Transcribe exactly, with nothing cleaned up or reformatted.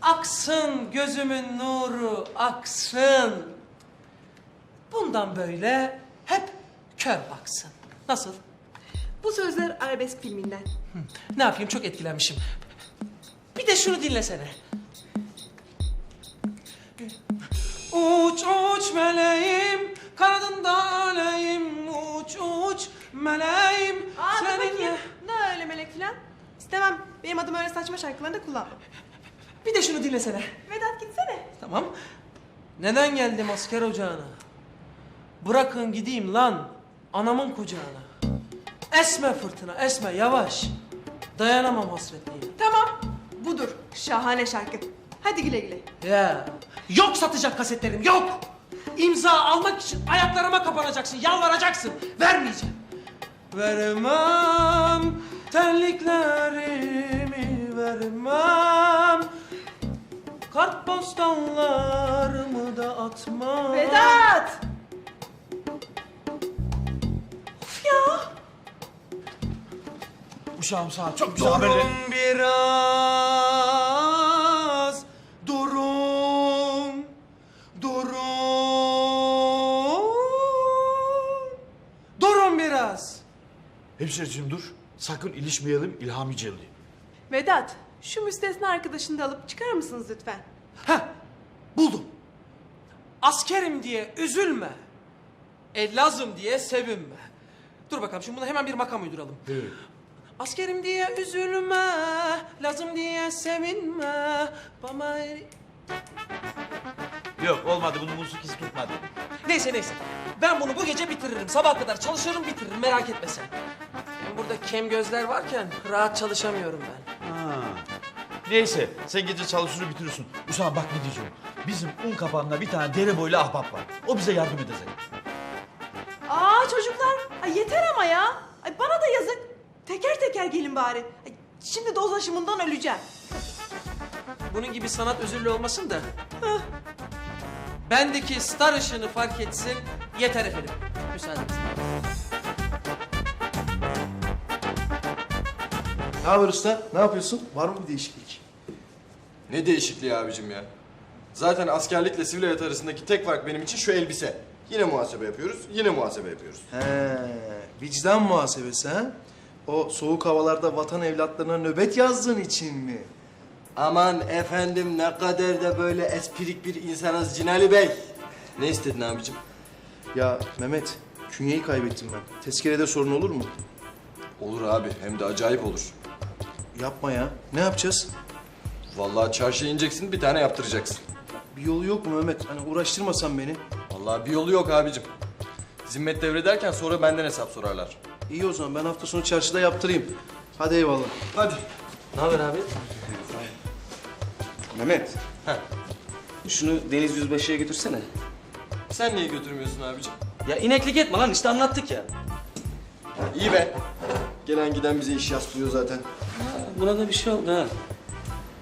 Aksın gözümün nuru, aksın. Bundan böyle hep kör baksın. Nasıl? Bu sözler arabesk filminden. Ne yapayım, çok etkilenmişim. Bir de şunu dinlesene. Uç uç meleğim, kanadında öleyim. Uç uç meleğim, Aa, dur seninle... bakayım. Ne öyle melek filan? İstemem. Benim adım öyle saçma şarkılarında kullanma. Bir de şunu dinlesene. Vedat gitsene. Tamam. Neden geldim asker ocağına? Bırakın gideyim lan anamın kucağına. Esme fırtına, esme yavaş. Dayanamam hasretliğine. Tamam. Budur. Şahane şarkı. Hadi güle güle. Ya yok satacak kasetlerim, yok. İmza almak için ayaklarıma kapanacaksın, yalvaracaksın. Vermeyeceğim. Vermem terliklerimi, vermem. Kartpostallarımı da atmam. Vedat! Of ya! Uşağım sağ ol. Çok güzel haberler. Durun biraz, durun, durun, durun biraz. Hemşireciğim dur. Sakın ilişmeyelim İlhami Celil. Vedat, şu müstesna arkadaşını da alıp çıkarır mısınız lütfen? Heh, buldum. Askerim diye üzülme, e lazım diye sevinme. Dur bakalım, şimdi buna hemen bir makam uyduralım. Evet. Askerim diye üzülme, lazım diye sevinme. Bana... Yok olmadı, bunun musikisi tutmadı. Neyse neyse, ben bunu bu gece bitiririm. Sabah kadar çalışırım, bitiririm, merak etme sen. Hem burada kem gözler varken rahat çalışamıyorum ben. Ha. Neyse sen gece çalışır bitirirsin. Uşağım bak ne diyeceğim. Bizim un kapağında bir tane dere boylu ahbap var. O bize yardım edecek. Aa çocuklar, ay yeter ama ya. Ay bana da yazık. Teker teker gelin bari. Ay, şimdi doz aşımından öleceğim. Bunun gibi sanat özürlü olmasın da. Bendeki star ışığını fark etsin, yeter efendim. Müsaadenizle. Ne haber usta? Ne yapıyorsun? Var mı bir değişiklik? Ne değişikliği abicim ya? Zaten askerlikle sivil hayat arasındaki tek fark benim için şu elbise. Yine muhasebe yapıyoruz, yine muhasebe yapıyoruz. He, vicdan muhasebesi ha? O soğuk havalarda vatan evlatlarına nöbet yazdığın için mi? Aman efendim ne kadar da böyle esprik bir insanız Cinali Bey. Ne istedin abicim? Ya Mehmet, künyeyi kaybettim ben. Tezkerede sorun olur mu? Olur abi, hem de acayip olur. Yapma ya. Ne yapacağız? Vallahi çarşıya ineceksin, bir tane yaptıracaksın. Bir yolu yok mu Mehmet? Hani uğraştırmasan beni. Vallahi bir yolu yok abicim. Zimmet devrederken sonra benden hesap sorarlar. İyi o zaman ben hafta sonu çarşıda yaptırayım. Hadi eyvallah. Hadi. Ne haber abi? Mehmet. Heh. Şunu Deniz Yüzbaşı'ya götürsene. Sen niye götürmüyorsun abicim? Ya ineklik etme lan, işte anlattık ya. İyi be. Gelen giden bize iş yaslıyor zaten. Buna da bir şey oldu ha.